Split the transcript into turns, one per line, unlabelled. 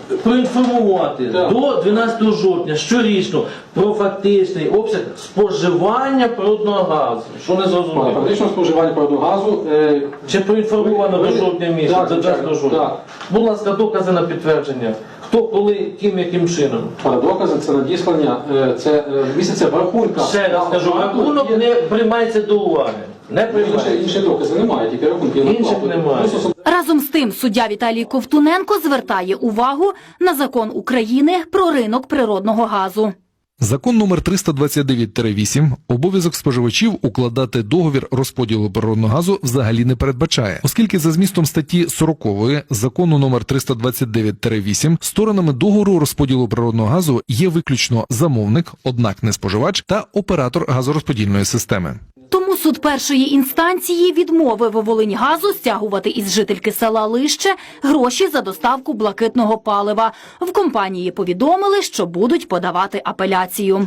проінформувати до 12 жовтня щорічно про фактичний обсяг споживання природного газу. Що не зрозуміло?
Фактично споживання природного газу.
Чи проінформовано до жовтня місяця, до 12 жовтня? Будь ласка, докази на підтвердження. Хто, коли, ким, яким чином?
Докази це надіслання, це місяця в рахунках.
Ще раз кажу, рахунок не приймається до уваги. Не приймається.
Інші докази немає, тільки рахунки.
Інших немає.
Разом з тим, суддя Віталій Ковтуненко звертає увагу на закон України про ринок природного газу.
Закон номер 329-8 обов'язок споживачів укладати договір розподілу природного газу взагалі не передбачає, оскільки за змістом статті 40 закону номер 329-8 сторонами договору розподілу природного газу є виключно замовник, однак не споживач, та оператор газорозподільної системи.
Тому суд першої інстанції відмовив Волиньгазу стягувати із жительки села Лище гроші за доставку блакитного палива. В компанії повідомили, що будуть подавати апеляцію.